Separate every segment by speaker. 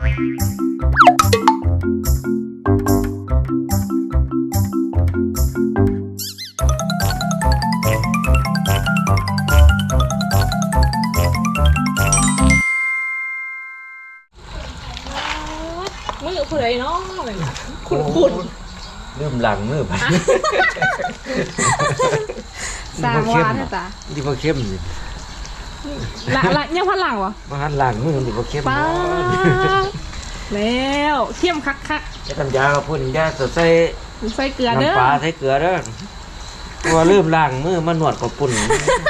Speaker 1: มือผู้ใดเนาะคุณ
Speaker 2: เริ่มหลังมือไป
Speaker 1: สร้างวานนะจ๊ะ
Speaker 2: ดีพอเข้มสิ
Speaker 1: ละยังพันหลังวะ
Speaker 2: มาหันหลังมือดีพอเข้ม
Speaker 1: ป้าแล้วเข้มคัก
Speaker 2: จะทำยาเราพูดถึงยาใส่
Speaker 1: เกลือเด้อ
Speaker 2: น้ำปลาใส่เกลือเด้อตัวเริ่มล้างมือมันหนวดกับปุ่น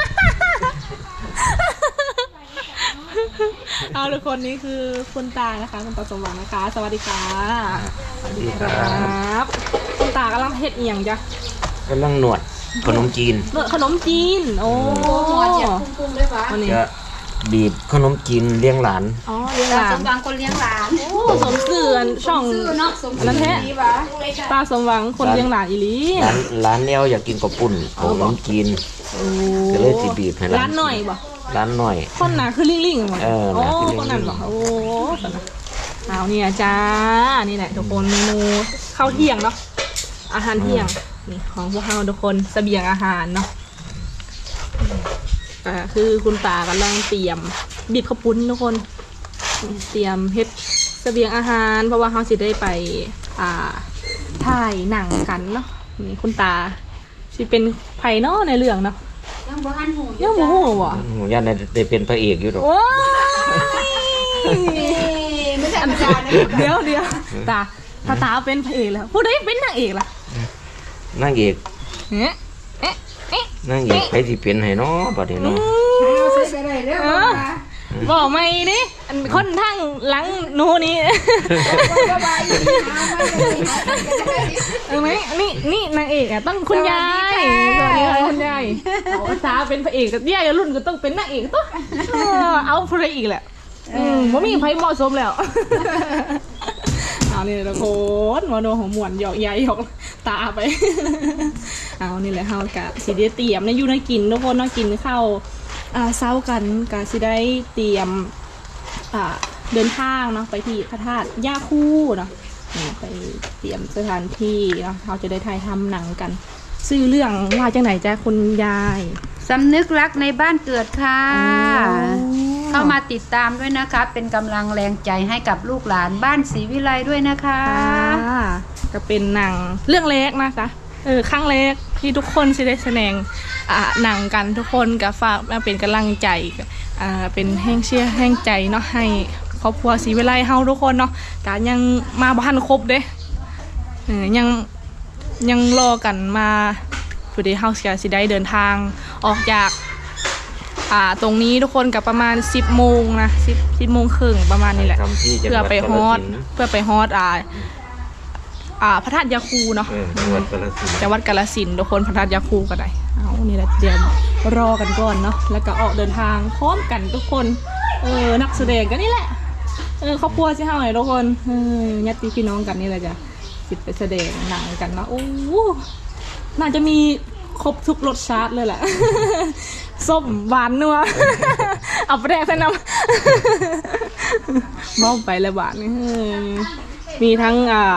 Speaker 1: เอาทุกคนนี้คือคุณตานะคะคุณตาสมหวังนะคะสวัสดีค่ะ
Speaker 2: สวัสดีครับ
Speaker 1: คุณตากำลังเฮ็ดเอียงจ้ะ
Speaker 2: กำลังหนวดขนมจีน
Speaker 1: ขนมจีนโอ้
Speaker 3: ปรุงด้วยปะ
Speaker 2: จะบีบขนมจีนเลี้ยงหลาน
Speaker 1: อ๋อเลี้ยงหลาน
Speaker 3: สมหวังคนเลี้ยงหลาน
Speaker 1: สมเสือนช่องนั่นแท้ตาสมหวังคนเลี้ยงหลานอีหลี
Speaker 2: ร้านแนวอยากกินกับปุ่นขนมจีนก็เลยสิบีบให้
Speaker 1: ร้านหน่อยบ่
Speaker 2: ร้านหน่อย
Speaker 1: คนหนาคือลิงๆหมดโอ้คนนั้นบอกโอ้เอาเนี่ยจ้านี่แหละทุกคนเมนูข้าวเที่ยงเนาะอาหารเที่ยงนี่ของพวกเราทุกคนเสบียงอาหารเนาะคือคุณตากำลังเตรียมบีบข้าวปุ้นทุกคนเตรียมเฮ็ดเสบียงอาหารเพราะว่าเขาสิได้ไปถ่ายหนังกันเนาะนี่คุณตาสิเป็นไผ่เนาะในเรื่องเนาะ
Speaker 3: ยังบ่หันหู
Speaker 1: ยังบ่หูบ่
Speaker 2: ยันได้เป็นพระเอกอยู่หรอก
Speaker 3: ไม่ใช่ธรรมดา
Speaker 1: เดี๋ยวตาถ้าตาเป็นพระเอกแล้วผู้ใดเป็นนางเอกล่ะ
Speaker 2: นางเอกนางเอกใครที่เป็นให้เนาะบัดนี้เนาะ
Speaker 1: บอกไม่ดิคนทั้งหลังหนูนี่ไหมนี่นางเอกอ่ะต้องคุณยายสวัสดีค่ะคุณยายตาเป็นพระเอกกับยายรุ่นก็ต้องเป็นนางเอกตัวเอาพระเอกแหละว่ามีไพ่เหมาะสมแล้วเอานี่ละโคนมาโดนของหมวนหยอกใหญ่หยอกตาไปเอานี่แหละเฮากะสิได้เตรียมในยูนากินทุกคนน่ากินข้าวเช้ากันกะสิได้เตรียมเดินทางเนาะไปที่พระธาตุย่าคูเนาะไปเตรียมสถานที่เนาะเราจะได้ถ่ายทำหนังกันชื่อเรื่องว่าจังไหนจ้ะคุณยาย
Speaker 3: สำนึกรักในบ้านเกิดค่ะเข้ามาติดตามด้วยนะคะเป็นกำลังแรงใจให้กับลูกหลานบ้านศรีวิไลด้วยนะคะ
Speaker 1: ก็เป็นหนังเรื่องเล็กนะคะครั้งแรกที่ทุกคนจะได้แสดงหนังกันทุกคนก็ฝากมาเป็นกำลังใจเป็นแห้งเชียร์แห้งใจเนาะให้ครอบครัวศรีวิไลเฮาทุกคนเนาะแต่ยังมาบ้านครบเด้ยังรอกันมาผู้ใดเฮาสิได้เดินทางออกจากตรงนี้ทุกคนกับประมาณ10 โมงนะ10 โมงครึ่งประมาณนี้แหละเพื่อไปฮอดพระธาตุยาคูเนาะจังหวัดกาฬสินธุ์ทุกคนพระธาตุยาคูกันได้เอานี่แหละเดี๋ยวรอกันก่อนเนาะแล้วก็ออกเดินทางพร้อมกันทุกคนนักแสดงกันนี่แหละครอบครัวสิเฮาทุกคนญาติพี่น้องกันนี่แหละจ้ะสิไปแสดงหนังกันเนาะโอ้น่าจะมีครบทุกรสชาติเลยแหละส้มหวานนัวเอาไปแดกใส่น้ำมองไปเลยหวานมีทั้ง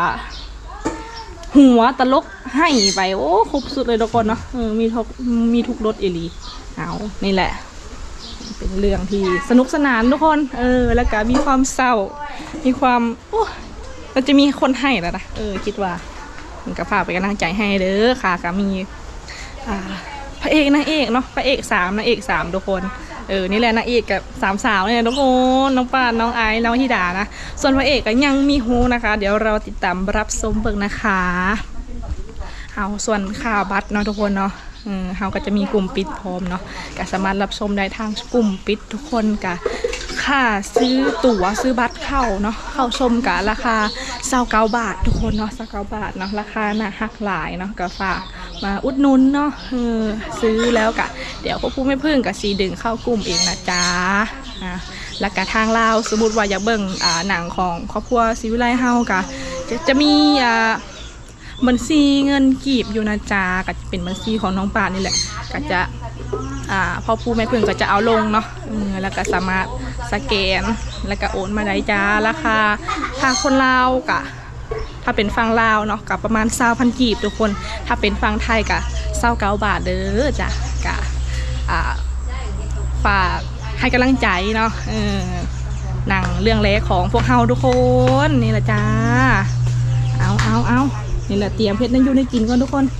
Speaker 1: หัวตลกให้ไปโอ้ครบสุดเลยทุกคนเนาะมีทุกรสเอลีเอานี่แหละเป็นเรื่องที่สนุกสนานทุกคนแล้วก็มีความเศร้ามีความเราจะมีคนให้แล้วนะคิดว่ามันก็ฝากไปกำลังใจให้เด้อค่ะก็มีพระเอกนางเอกเนาะพระเอก3นางเอก3ทุกคนนี่แหละนางเอกกับ3 สาวเนี่ยทุกคนน้องปานน้องไอซ์น้องธิดานะส่วนพระเอกก็ยังมีฮูนะคะเดี๋ยวเราติดตามรับชมเบิ่งนะคะเอาส่วนค่าบัตรเนาะทุกคนเนาะเราก็จะมีกลุ่มปิดพร้อมเนาะก็สามารถรับชมได้ทางกลุ่มปิดทุกคนกะค่าซื้อตั๋วซื้อบัตรเข้าเนาะเข้าชมกะราคา29 บาททุกคนเนาะ29 บาทเนาะราคาน่าฮักหลายเนาะก็ฝากมาอุดหนุนเนาะซื้อแล้วกะเดี๋ยวพวกผู้ไม่พึ่งกับสีดึงเข้ากลุ่มเองนะจ๊ะแล้วก็ทางเราสมมติว่าอยากเบิ่งหนังของครอบครัวศรีวิไลเฮากะจะมีบัญชีเงินกีบอยู่นะจ๊ะก็จะเป็นบัญชีของน้องป่านนี่แหละก็จะ พ่อผู้แม่พึ่งก็จะเอาลงเนาะแล้วก็สามารถสแกนแล้วก็โอนมาได้จ้าราคาถ้าคนลาวกะถ้าเป็นฝั่งลาวเนาะกับประมาณ20,000 กีบทุกคนถ้าเป็นฝั่งไทยกะ29 บาทเด้อจ้ะกะฝากให้กำลังใจเนาะหนังเรื่องแรกของพวกเฮาทุกคนนี่แหละจ้าเอานี่แหละเตรียมเพชรนั่นอยู่ในกินก่อนทุกคน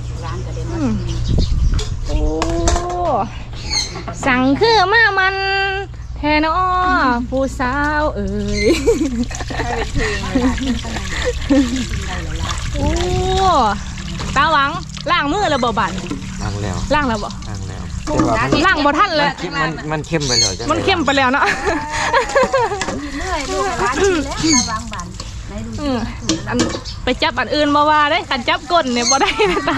Speaker 1: โอ้สั่งคือมามันแทนอ้อผู้สาวเอ๋ยโอ้ตาหวังล้างมือแล้วบ่บั่น
Speaker 2: ล้างแล้ว
Speaker 1: ล้างแล้วบ่
Speaker 2: ล้างแล้ว
Speaker 1: ล้างบ่ทันเลย
Speaker 2: มันเข้มไปแล้วจ้ะ
Speaker 1: มันเข้มไปแล้วเนาะ
Speaker 3: เมื่อยดูร้านกินแล้วระวังบันไหนดู
Speaker 1: อันไปจับอันอื่นมาว่าได้กันจับก้นเนี่ยบ่ได้นะตา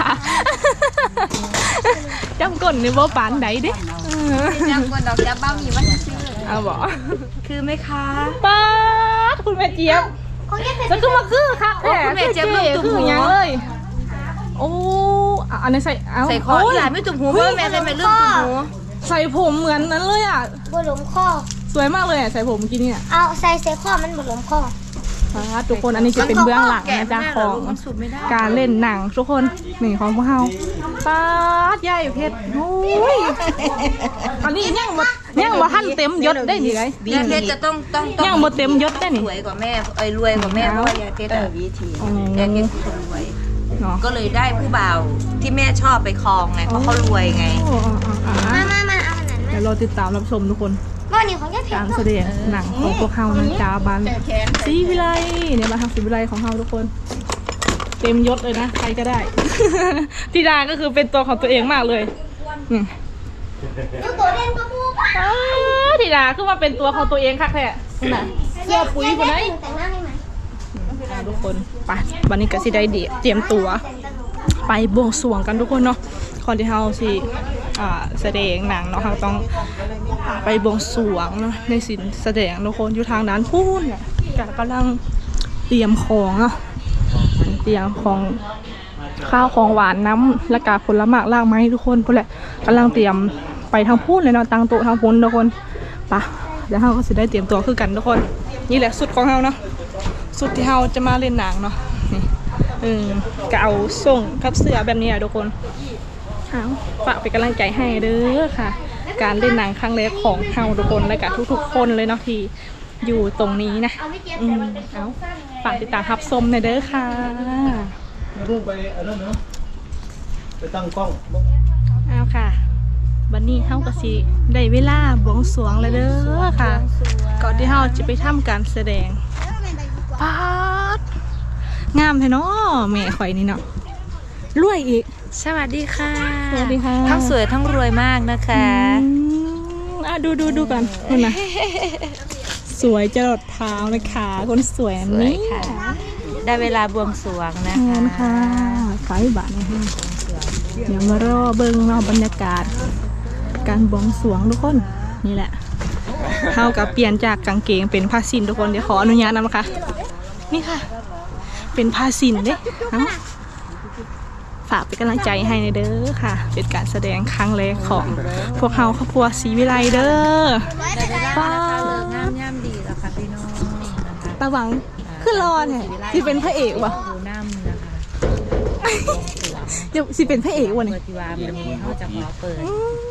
Speaker 1: จับก้นเนี่ยบ่ปานใดเด้
Speaker 3: จังคนดอกจับบ้ามีวันซื้อ
Speaker 1: เอาบ่
Speaker 3: คือไหมคะ
Speaker 1: ป๊าดคุณแม่เจี๊ยบแล้วก็มาคือค่ะ
Speaker 3: คุณแม่เจี๊ยบลูกตุ่มหู
Speaker 1: ยังเลยโอ้อันนี้ใส่เอา
Speaker 3: ใส่คอหลานไม่ตุ่มหูเพื่อแม่ใส่ไม่เรื่องตุ่มหู
Speaker 1: ใส่ผมเหมือนนั้นเลยอ่ะ
Speaker 4: บหลมข้อ
Speaker 1: สวยมากเลยอ่ะใส่ผมเมื่อกี้เนี่ย
Speaker 4: เอาใส่ข้อมันบหลมข้อ
Speaker 1: ทุกคนอันนี้จะเป็นเบื้องหลังนะจ๊ะของการเล่นหนังทุกคนนี่ของพวกเราป๊าดใหญ่เพชรโอ้ยอันนี้ยังบ่ทันเต็มยศได้นี่ไง
Speaker 3: ยายเพชรจะต้อง
Speaker 1: ยังบ่เต็มยศได้นี่
Speaker 3: สวยกว่าแม่รวยกว่าแม่เพราะว่ายายเพชรวิธียายเพชรคนรวย
Speaker 1: เนาะ
Speaker 3: ก็เลยได้ผู้บ่าวที่แม่ชอบไปครองไงเพราะเขารวยไง
Speaker 4: มาเอาอันนั้น
Speaker 1: เดี๋ยวรอติดตามรับชมทุกคน
Speaker 4: ว่านี่ของยายเพช
Speaker 1: การ รแสดงหนังของพวกเรานะจ๊ะบ้านศรีวิไลเนี่ยมาทางศรีวิไลของเราทุกคน เต็มยศเลยนะใครก็ได้ ธิดาก็คือเป็นตัวของตัวเองมากเลย
Speaker 4: ยูตัวเด่นก็มูป่ะ
Speaker 1: ธิดาคือมาเป็นตัวของตัวเองค่ะแค่ไหนเสื้อปุ๋ยคนไหน
Speaker 4: แต่งหน้าให้ไหม
Speaker 1: ทุกคนไปวันนี้ก็สิได้เตรียมตัวไปบวงสรวงกันทุกคนเนาะก่อนที่เราสิแสดงหนังเนาะเราต้องไปบวงสรวงเนาะในสินแสดงทุกคนอยู่ทางนั้นพูดเนี่ยกำลังเตรียมของเนาะเตรียมของข้าวของหวานน้ำและกาผลไม้ล่างไม้ทุกคนพวกแหละกำลังเตรียมไปทางพูดเลยเนาะตั้งโต๊ะทางพูนทุกคนไปเดี๋ยวเราก็จะได้เตรียมตัวคือกันทุกคนนี่แหละสุดของเราเนาะสุดที่เราจะมาเล่นหนังเนาะนี่ก็เอาส่งกับเสื้อแบบนี้อะทุกคนเอาฝากเป็นกำลังใจให้เด้อค่ะ การเล่นหนังครั้งแรกของเราทุกคนและกับทุกๆคนเลยเนาะที่อยู่ตรงนี้นะเอาฝากติดตามรับชมในเด้อค่ะ
Speaker 5: รูปไปอันนั้นเนาะไปตั้งกล้อง
Speaker 1: เอาค่ะวันนี้เฮาก็สิได้เวลาบวงสรวงแล้วเด้อค่ะก่อนที่เฮาจะไปทำการแสดงป๊าดงามแท้เนาะแม่ข่อยนี่เนาะรวยอีก
Speaker 6: สวัสดีค่ะ
Speaker 1: สวัสดีค่ะ
Speaker 6: ทั้งสวยทั้งรวยมากนะคะ
Speaker 1: ดูกันคนนะสวยจรดเท้านะคะคนสวยอันนี้
Speaker 6: ค่ะ ได้เวลาบวงสรวงนะ
Speaker 1: งาน
Speaker 6: คะ
Speaker 1: ค่ะขายบาทนะคะเดี๋ยวมารอเบิ้งเนาะบรรยากาศการบวงสรวงทุกคนนี่แหละเท่ากับเปลี่ยนจากกางเกงเป็นผ้าสิ้นทุกคนเดี๋ยวขออนุญาตนะคะนี่ค่ะเป็นผ้าสิ้นเด้ฝากเป็นกำลังใจให้ในเด้อค่ะเป็นการแสดงครั้งแรกของพวกเราครอบครัวศรีวิไลเด้อป้า
Speaker 6: งามย่ำดีแล้วค่ะพี่น้องนะคะ
Speaker 1: ตาหวังขึ้นรอแท้ที่เป็นพระเอกวะ
Speaker 6: ดูน้ำนะคะ
Speaker 1: เดี๋ยวสิเป็นพระเอกวะ
Speaker 6: เปิ
Speaker 1: นี่
Speaker 6: ดที่ว่ามันนี้เขาจะขอเปิด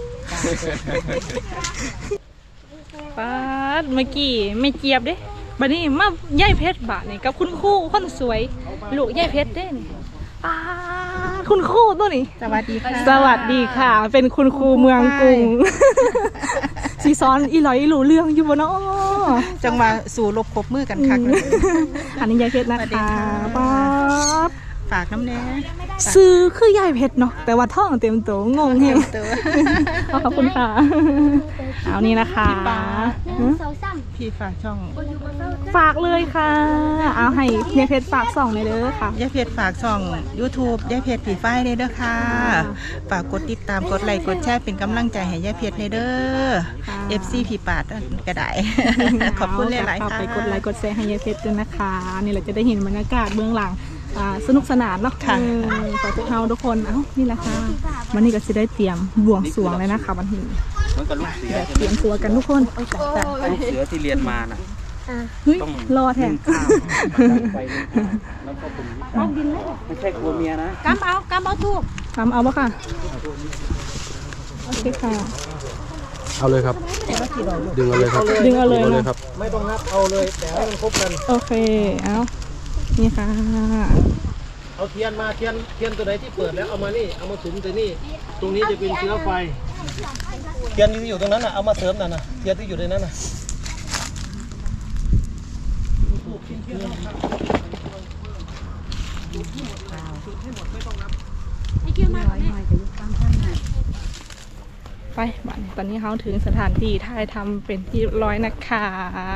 Speaker 1: ป้าดเมื่อกี้ไม่เจี๊ยบเด้บัดนี้มาย่ายเพชรบาทนี่กับคุณครูคนสวยลูกย่ายเพชรเด้นี่ป้าดคุณครูตัวนี้
Speaker 6: สวัสดีค่ะ
Speaker 1: สวัสดีค่ะ เป็นคุณครูเมืองกรุงสีซ้อนอีหลอยอีหลูเรื่องอยู่บ่เนาะ
Speaker 6: จังมาสู่ลบคบมือกันคักเลย
Speaker 1: อันนี้ยายเพชรนะคะป้าด
Speaker 6: ฝากน้ำแน่
Speaker 1: ซื้อคือยายเพชรเนาะแต่ว่าท่องเต็มตัวงงเฮงขอบคุณค่ะเอานี่นะคะ
Speaker 6: พี่ฝากช่อง
Speaker 1: ฝากเลยค่ะ เอาให้ยายเพชรฝาก2เลยเด้อค่ะ
Speaker 7: ย่าเพชรฝากช่อง YouTube ย่าเพชรผีฝ้ายเด้อค่ะ ฝากกดติดตามกดไลค์กดแชร์เป็นกำลังใจให้ย่าเพชรเด้อ
Speaker 1: ค่ะ
Speaker 7: FC ผีปาดก็ได้ ขอบคุณหลายๆ
Speaker 1: ฝาก
Speaker 7: ค่ะ
Speaker 1: ไปกดไลค์กดแชร์ให้ยายเพชรด้วยนะคะนี่เราจะได้เห็นบรรยากาศเบื้องหลังสนุกสนานเนาะ
Speaker 7: ค่ะ
Speaker 1: ขอพวกเราทุกคนนี่แหละค่ะวันนี้ก็จะได้เตรียมบวงสรวงเลยนะคะวันนี้
Speaker 5: เหมือนกับลูกเสือ
Speaker 1: เตรียมตัวกันทุกคน
Speaker 5: ลูกเสือที่เรียนมาน่ะ
Speaker 1: เฮ้ยรอแทน
Speaker 5: ไปแล้วก็ผมไม่ใช่ครัวเมียนะ
Speaker 3: กำเอาทูบ
Speaker 1: ทำเอาปะค่ะโอเคค่ะ
Speaker 8: เอาเลยครับ ดึงเอาเลยครับ
Speaker 1: ดึงเอาเลย
Speaker 8: ดึง
Speaker 1: เนาะ
Speaker 8: ครับ
Speaker 5: ไม่ต้องนับเอาเลยแต่ให้มันครบกัน
Speaker 1: โอเคเอานี่ค่ะ
Speaker 5: เอาเทียนมาเทียนตัวไหนที่เปิดแล้วเอามานี่เอามาสุมตัวนี่ตรงนี้จะเป็นเชื้อไฟเทียนที่อยู่ตรงนั้นน่ะเอามาเสริมน่ะนะเทียนที่อยู่ในนั้นน่ะ
Speaker 1: ไปบัดนี้ตอนนี้เขาถึงสถานที่ถ่ายทำเป็นที่เรียบร้อยนะคะ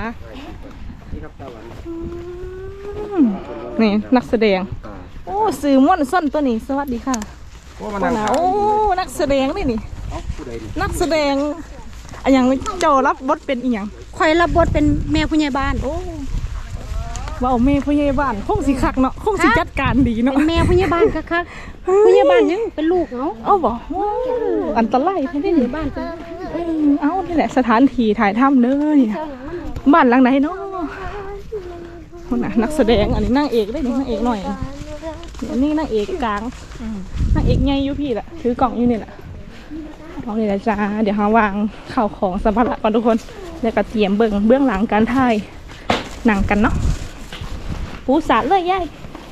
Speaker 1: นี่นักแสดง โอ้สื่อม่วนส้นตัวนี้สวัสดีค่ะโอ้นักแสดงนี่นักแสดงอะอย่างโจรับบทเป็นอีหยัง
Speaker 3: ข่อยรับบทเป็นแม่ผู้ใหญ่บ้าน
Speaker 1: โอ้ว่าเอาแม่ผู้ใหญ่บ้านคงสิคักเนาะคงสิจัดการดีเนาะ
Speaker 3: เป็นแม่ผู้ใหญ่บ้านคักๆผู้ใหญ่บ้านยังเป็นลูกเนาะ
Speaker 1: เอาบอกว้าวอันตรายที่นี่บ้านเอานี่แหละสถานที่ถ่ายทำเลยบ้านหลังไหนเนาะคนน่ะนักแสดงอันนี้นางเอกได้นี่นางเอกหน่อยอันนี้นางเอกกลางนางเอกใหญ่อยู่พี่แหละถือกล่องอยู่นี่แหละเอาเลยนะจ้าเดี๋ยวหาวางข่าวของสัมภาระก่อนทุกคนแล้วก็เตรียมเบื้องหลังการถ่ายหนังกันเนาะปูสาดเลยยาย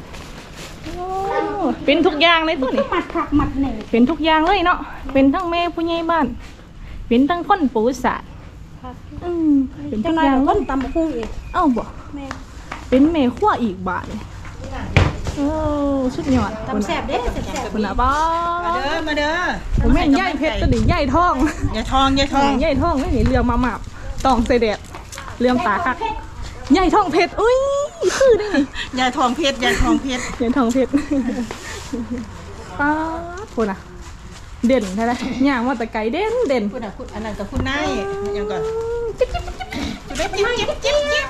Speaker 1: เป็นทุกอย่างเลยตัวนี้
Speaker 3: มัดผักมัดเหน่
Speaker 1: เป็นทุกอย่างเลยเนาะเป็นทั้งแม่ผู้ใหญ่บ้านเป็นทั้งคนปูสาดเป็นทุกอย่างเลย
Speaker 3: ตำคุ้งอีก
Speaker 1: เอ้าบ่เป็นแม่ขั้วอีกบาทเลยโอ้สุดยอด
Speaker 3: ตำแซ่บเด้แซ่บ
Speaker 1: คุณน่ะป้า
Speaker 7: มาเด้อ
Speaker 1: ผมแม่นใหญ่เพชรตัวนี้ใหญ่ท้อง
Speaker 7: อย่าทองอย่าทอง
Speaker 1: ใหญ่ท้องไม่เห็นเรือมาหมับตองใส่แดดเรือมตาคักใหญ่ท้องเพชรอุ้ยคือได้ไง
Speaker 7: อย่าทองเพชรอย่าทองเพชร
Speaker 1: ใหญ่ท้องเพชรป้าคุณน่ะเด่นใช่ไหมย่างว่าแต่ไก่เด่น
Speaker 7: คุณอ่ะคุณอันนั้นกับคุณนายยังก่อนจุดได้จิ๊บ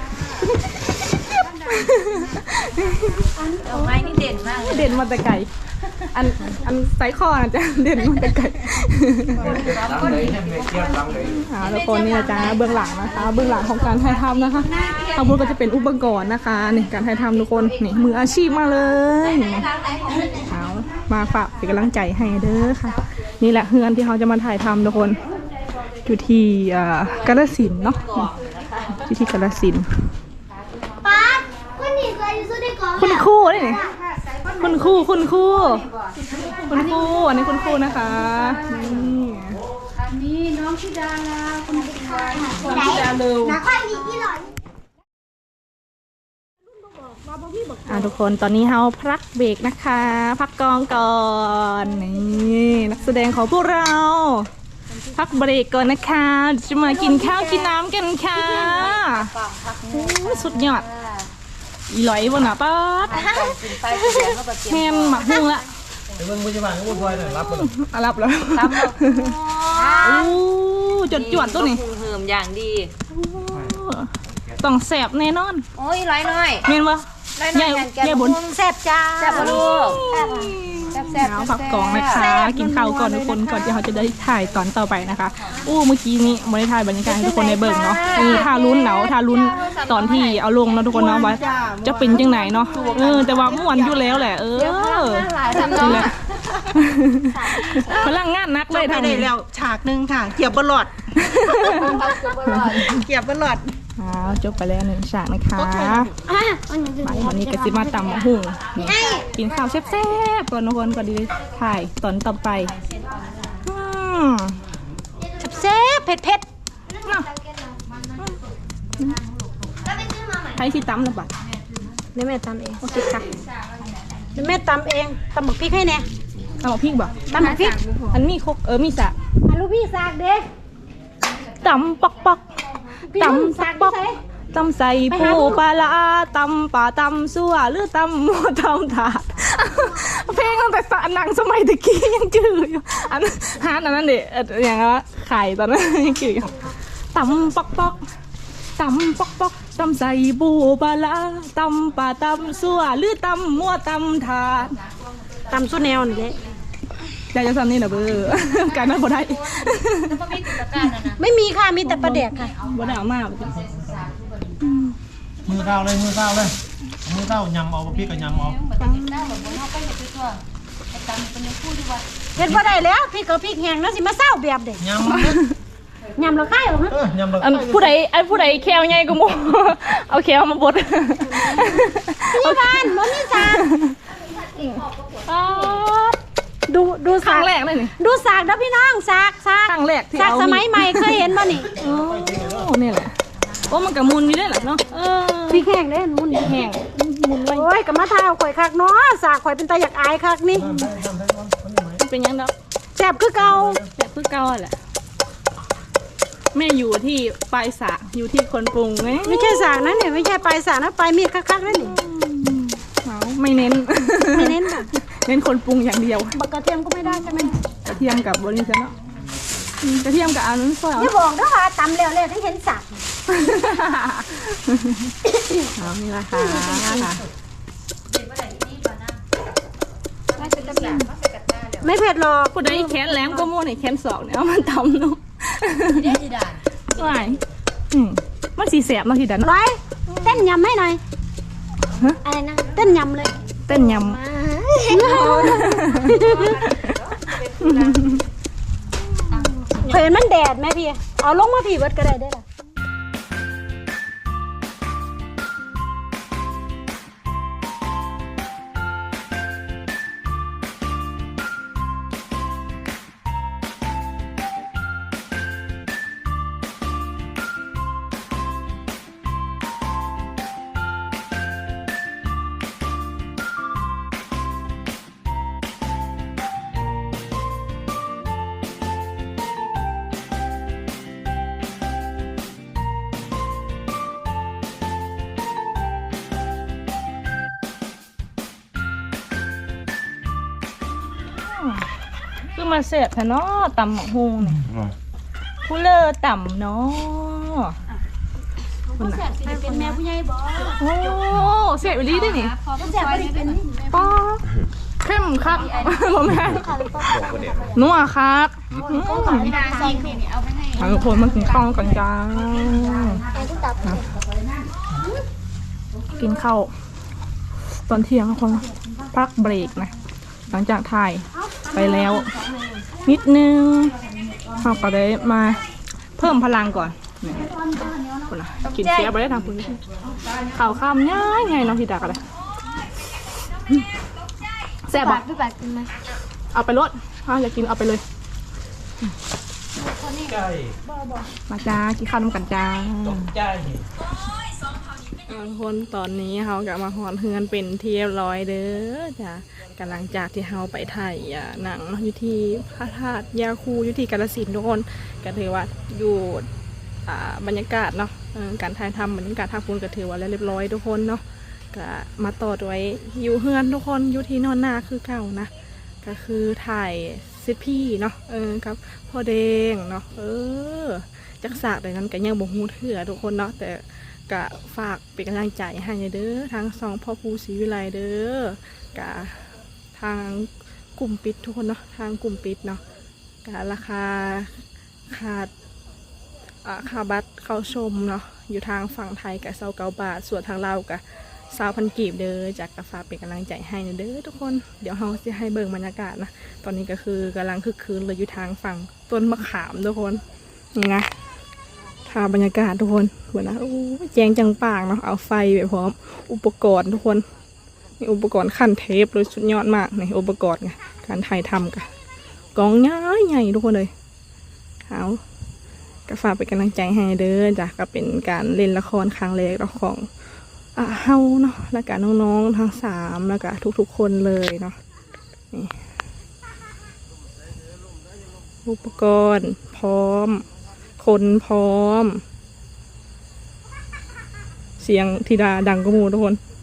Speaker 3: เอาไม้นี่เด่นมากเลย
Speaker 1: เด่นมาแต่ไก่อันไซคอนะจ๊ะเด่นมาแต่ไก่แล้วคนนี้นะจ๊ะเบื้องหลังนะคะ เบื้องหลังของการถ่ายทำนะคะอาวุธก็จะเป็นอุปกรณ์นะคะนี่การถ่ายทำทุกคนนี่มืออาชีพมาเลยเอามาฝากเป็นกำลังใจให้เด้อค่ะ นี่แหละเฮือนที่เขาจะมาถ่ายทำทุกคนอยู่ที่กาฬสินธุ์เนาะอยู่ที่กาฬสินธุ์
Speaker 4: ป้าคนนี้เคยอยู่สู้ได้ก่อน
Speaker 1: คุณครูนี่คุณครูอันนี้คุณครูนะคะนี่
Speaker 3: อันนี้น้องธิดาลาคุณธิดา
Speaker 1: น้องธิดาเร็ว
Speaker 4: นักข่าวมีกี่หลอน
Speaker 1: ทุกคนตอนนี้เราพักเบรกนะคะ พักกองก่อนนี่นักแสดงของพวกเรา พักเบรกก่อนนะคะจะมากินข้าวกินน้ำกันค่ะโอ้สุดยอดอีหลอยบนหน้าป๊าดแฮมหมักหุ้งละ
Speaker 5: เดี๋ยวมึงมุ้ยบ้านมุ้ยพลอยหน่อยรับมัน
Speaker 1: รับแล้วโอ้จวดตัวนี้
Speaker 6: เหิมอย่างดี
Speaker 1: ต้องแสบแน่นอน
Speaker 6: โอ้ยร้อยหน่อย
Speaker 1: เมนวะใหญ่บน
Speaker 3: แซ่บจ้า
Speaker 6: แซ่บลูก
Speaker 3: แซ่บ
Speaker 1: เอาผักกองนะคะกินข้าวก่อนทุกคนก่อนที่เขาจะได้ถ่ายตอนต่อไปนะคะเมื่อกี้นี้ไม่ได้ถ่ายบรรยากาศให้ทุกคนในเบิ่งเนาะท่าลุ้นท่าลุ้นตอนที่เอาลงเนาะทุกคนเนาะว่าจะเป็นยังไงเนาะแต่ว่าม่วนอยู่แล้วแหละนี่แหละพลังงานนักเลย
Speaker 7: ไป
Speaker 1: ทาง
Speaker 7: ได้
Speaker 1: นี้
Speaker 7: แล้วฉากหนึ่งค่ะเกียบบลอดเกียบบลอด
Speaker 1: จบไปแล้ว1ฉากนะคะไปวันนี้ก็สิมาตำหุ่งกินข้าวแซ่บๆก่อนทุกคนก่อนดีถ่ายตอนต่อไป
Speaker 3: แซ่บเผ็ด
Speaker 1: ใช้ที่ตำนะบัด
Speaker 3: ๆเดี๋ยวแม่ตำเอง
Speaker 1: โอเคค่ะ
Speaker 3: เดี๋ยวแม่ตำเองตำบักพริกให้แน่
Speaker 1: ตำพริกบ่
Speaker 3: ตำบักพริก
Speaker 1: อันมีครกมีสะ
Speaker 3: ลูกพี่สากเด้
Speaker 1: ตำปอกตำสักปอกตำใส่ปูปลาละตำป่าตำซั่วหรือตำหม้อตำถาดเพลงตั้งแต่หนังสมัยตะกี้ยังจืดอยู่อันฮาร์ดอันนั้นเด็อย่างว่าไข่ตอนนั้นยังจืดอยู่ตำปอกตำปอกตำใส่ปูปลาละตำป่าตำซั่วหรือตำหม้อตำถาด
Speaker 3: ตำสุแนวนี่แหละ
Speaker 1: ใจจะทำนี่นะเบอร์การนั้นพอได้
Speaker 3: ไม่มีค่ะมีแต่ปลาแดกค่ะ
Speaker 1: บ่ได้เอามา
Speaker 5: มือเต้าเลยมือเต้าเลยมือเต้ายำเอาพี่ก็ยำเอา
Speaker 4: เห็นว่าได้แล้วพี่กับพี่แห้งแล้วสิมาเศร้าแบบเด็ก
Speaker 5: ยำเลย
Speaker 4: ยำเราค่ายหรอฮะ
Speaker 5: ยำเลย
Speaker 1: อันผู้ใดแควใหญ่กูโม เอาแควมาบด
Speaker 4: พี่บ้านมันนี่จ้าดู
Speaker 1: ครั้
Speaker 4: สาง ก
Speaker 1: แรกเลยนี่
Speaker 4: ดูสากนะพี่น้องสาก
Speaker 1: ครั้งแรกที่
Speaker 4: สาก
Speaker 1: เอา
Speaker 4: สมัยใหม่เคยเห็นป่ะนี่
Speaker 1: โอ้นี่แหละโอ้มันกับมุนอยู่ได้แหละเนาะ
Speaker 4: พี่แห้งได้มุน
Speaker 1: แห้งมุนไว้
Speaker 4: โอ้ยกับมะเท้าข่อยคักเนาะสากข่อยเป็นตาอยากอายคักนี่
Speaker 1: มันเป็นยังดอก
Speaker 4: แซ่บคือเก่า
Speaker 1: แบบคือเก่าแหละแม่อยู่ที่ปลายสระอยู่ที่คนปรุงไง
Speaker 4: ไม่ใช่สากนะเนี่ยไม่ใช่ปลายสากนะปลายมีดคักๆนั่นนี่
Speaker 1: เอาไม่เน้น
Speaker 4: ไม่เน้นแบบ
Speaker 1: เน้นคนปรุงอย่างเดียว
Speaker 4: บักกระเทียมก็ไม่ได้ใช่ไหม
Speaker 1: กระเทียมกับบริษัทเนาะกระเทียมกับอันนั้นซอยเอา
Speaker 4: อย่าบอกนะว่าตำแล้วเลยทั้งเห็นสาก
Speaker 1: เอานี่ละค่ะ
Speaker 4: ไม่เผ็ดหรอก
Speaker 1: ผู้ใดแขนแหลมก็มั่วเนี่ยแขนศอกเนี่ยเอามันตำเนาะไม่มันสีแสบเนาะทีดันเนาะ
Speaker 4: ร้อยเต้นยำให้หน่อย
Speaker 1: ฮะ
Speaker 4: อะไรนะเต้นยำเลย
Speaker 1: เต้นย
Speaker 4: เห็นมันแดดไหมพี่เอาลงมาพี่เบิดก็ได้ได้ล่ะ
Speaker 1: ำคือมาเสียบแท้เนาะตำหมกฮุงเนี่ยผู้เลอต่ำเนาะ
Speaker 4: เป็นแม่ผู้ใหญ่บอก
Speaker 1: โอ้เสียบอีหลีได้นี่
Speaker 4: แซ่บไม่ได้เป็น
Speaker 1: ป้าเข้มครับบ่แม่นัวครับทุกคนมากินข้าวกันจ้ากินข้าวตอนเที่ยงทุกคนพักเบรกนะหลังจากถ่ายไปแล้วนิดนึงเราก็ได้มาเพิ่มพลังก่อนนี่คนละกินเสียไปได้ทางคุณข่าวข้ามง่ายไงน้องทีดักอะไรแซ่บบอก
Speaker 4: พี่ปากกินไหม
Speaker 1: เอาไปรถอยากกินเอาไปเลยมาจ้ากินข้าวน้ำกันจ้าคนตอนนี้เขากลับมาหอนเฮือนเป็นที่เรียบร้อยเด้อจ้ากำลังจากที่เขาไปถ่ายหนังอยู่ที่พระธาตุยาคูอยู่ที่กาฬสินธุ์ทุกคนก็ถือว่าอยู่บรรยากาศเนาะการถ่ายทำบรรยากาศท่าคุณก็ถือว่าเรียบร้อยทุกคนเนาะก็มาต่อด้วยอยู่เฮือนทุกคนอยู่ที่นอนนาคือเก่านะก็คือถ่ายซิดพี่เนาะครับพ่อแดงเนาะจักสากแต่นั้นก็ยังบ่ฮู้เถื่อทุกคนเนาะแต่ก็ฝากเป็นกำลังใจให้เด้อทั้งสองพ่อภูศรีวิไลเด้อกะทางกลุ่มปิดทุกคนเนาะทางกลุ่มปิดเนาะกะราคาค่าบัตรเข้าชมเนาะอยู่ทางฝั่งไทยกะ29 บาทส่วนทางลาวกะ20,000 กีบเด้อจากกะฝากเป็นกำลังใจให้เด้อทุกคนเดี๋ยวเราจะให้เบิ่งบรรยากาศนะตอนนี้ก็คือกำลังคึกคืนเลยอยู่ทางฝั่งต้นมะขามทุกคนนี่นะทางบรรยากาศทุกคนเหมือนนะโอ้แจงจังปากเนาะเอาไฟไปพร้อมอุปกรณ์ทุกคนนี่อุปกรณ์ขั้นเทปเลยสุดยอดมากในอุปกรณ์ไงการถ่ายทำกะกองใหญ่ทุกคนเลยเอาก็ฝากเป็นกำลังใจให้เด้อจ้ะก็เป็นการเล่นละครครั้งแรกของเฮาเนาะแล้วก็น้องๆทั้ง3แล้วก็ทุกๆคนเลยเนาะนี่อุปกรณ์พร้อมคนพร้อมเสียงธิดาดังกระมูทุกคน